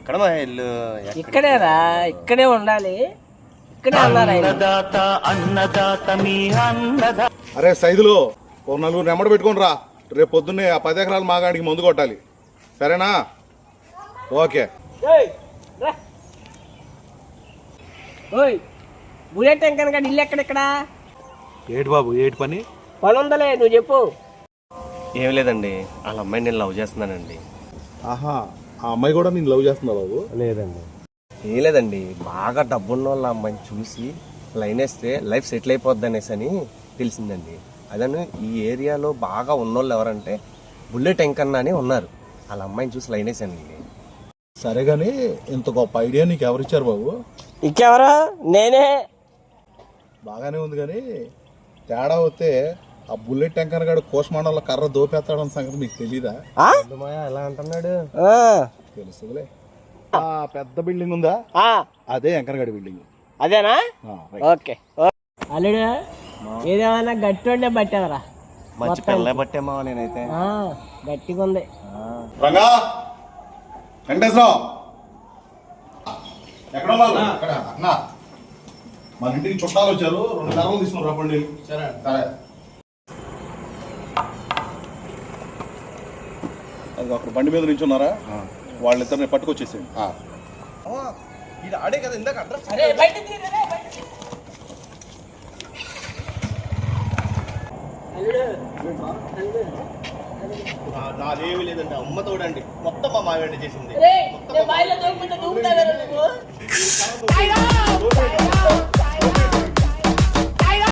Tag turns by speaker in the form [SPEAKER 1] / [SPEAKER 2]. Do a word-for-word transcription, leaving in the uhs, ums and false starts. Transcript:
[SPEAKER 1] ఎక్కడ మా ఇల్లు?
[SPEAKER 2] ఇక్కడేరా, ఇక్కడే ఉండాలి. ఇక్కడే అన్నారు
[SPEAKER 3] అరే సైదులు ఓ నలుగురు నెమ్మడి పెట్టుకుని రా. రేపు పొద్దున్నే ఆ పది ఎకరాలు మాగాడికి మందు కొట్టాలి, సరేనా? ఓకే.
[SPEAKER 2] ఓయ్ బుల్లెట్ టెంకన్ గడి ఇల్లు ఎక్కడెక్కడ?
[SPEAKER 3] ఏటి బాబు, ఏటి పని?
[SPEAKER 2] పని ఉందలే, నువ్వు చెప్పు.
[SPEAKER 1] ఏం లేదండి, వాళ్ళ అమ్మాయిని నేను లవ్ చేస్తున్నానండి.
[SPEAKER 3] ఆహా, ఆ అమ్మాయి కూడా నేను లవ్ చేస్తున్నా బాబు?
[SPEAKER 1] లేదండి. ఏం లేదండి, బాగా డబ్బున్న వాళ్ళ అమ్మాయిని చూసి లైన్ వేస్తే లైఫ్ సెటిల్ అయిపోద్ది అనేసి అని తెలిసిందండి. అదని ఈ ఏరియాలో బాగా ఉన్నోళ్ళు ఎవరంటే బుల్లెట్ ఎంకన్నా అని ఉన్నారు. వాళ్ళ అమ్మాయిని చూసి లైన్ వేసానండి.
[SPEAKER 3] సరే కానీ ఇంత గొప్ప ఐడియా నీకు ఎవరిచ్చారు బాబు?
[SPEAKER 2] ఇంకెవరు? నేనే.
[SPEAKER 3] బాగానే ఉంది కానీ తేడా వస్తే ఆ బుల్లెట్ టెంకర్ గాడు కోసమాండంలో కర్ర దోపేస్తాడన్న సంగతి మీకు తెలీదా?
[SPEAKER 1] ఎలా అంటున్నాడు?
[SPEAKER 3] తెలుసులే. ఆ పెద్ద బిల్డింగ్ ఉందా, అదే ఎంకరగడి బిల్డింగ్.
[SPEAKER 2] అదేనా? ఓకే. అల్లుడు ఏదేమన్నా గట్టి ఉండే బట్టేవరా?
[SPEAKER 1] మంచి పిల్ల బట్టేమా నేనైతే.
[SPEAKER 2] గట్టిగా ఉంది.
[SPEAKER 3] రంగా, వెంకటేశ్వరరావు ఎక్కడ అన్నా? మన ఇంటికి చుట్టాలు వచ్చారు, రెండు కర్రలు తీసుకుని రప్పండి. సరే సరే. అది అక్కడ బండి మీద నుంచి ఉన్నారా? వాళ్ళిద్దరిని పట్టుకొచ్చేసేయండి.
[SPEAKER 1] ఇది ఆడే కదా ఇందాక అడ్రస్. నాదేమీ లేదండి, అమ్మ తోడండి, మొత్తం మా మావేండి చేసింది.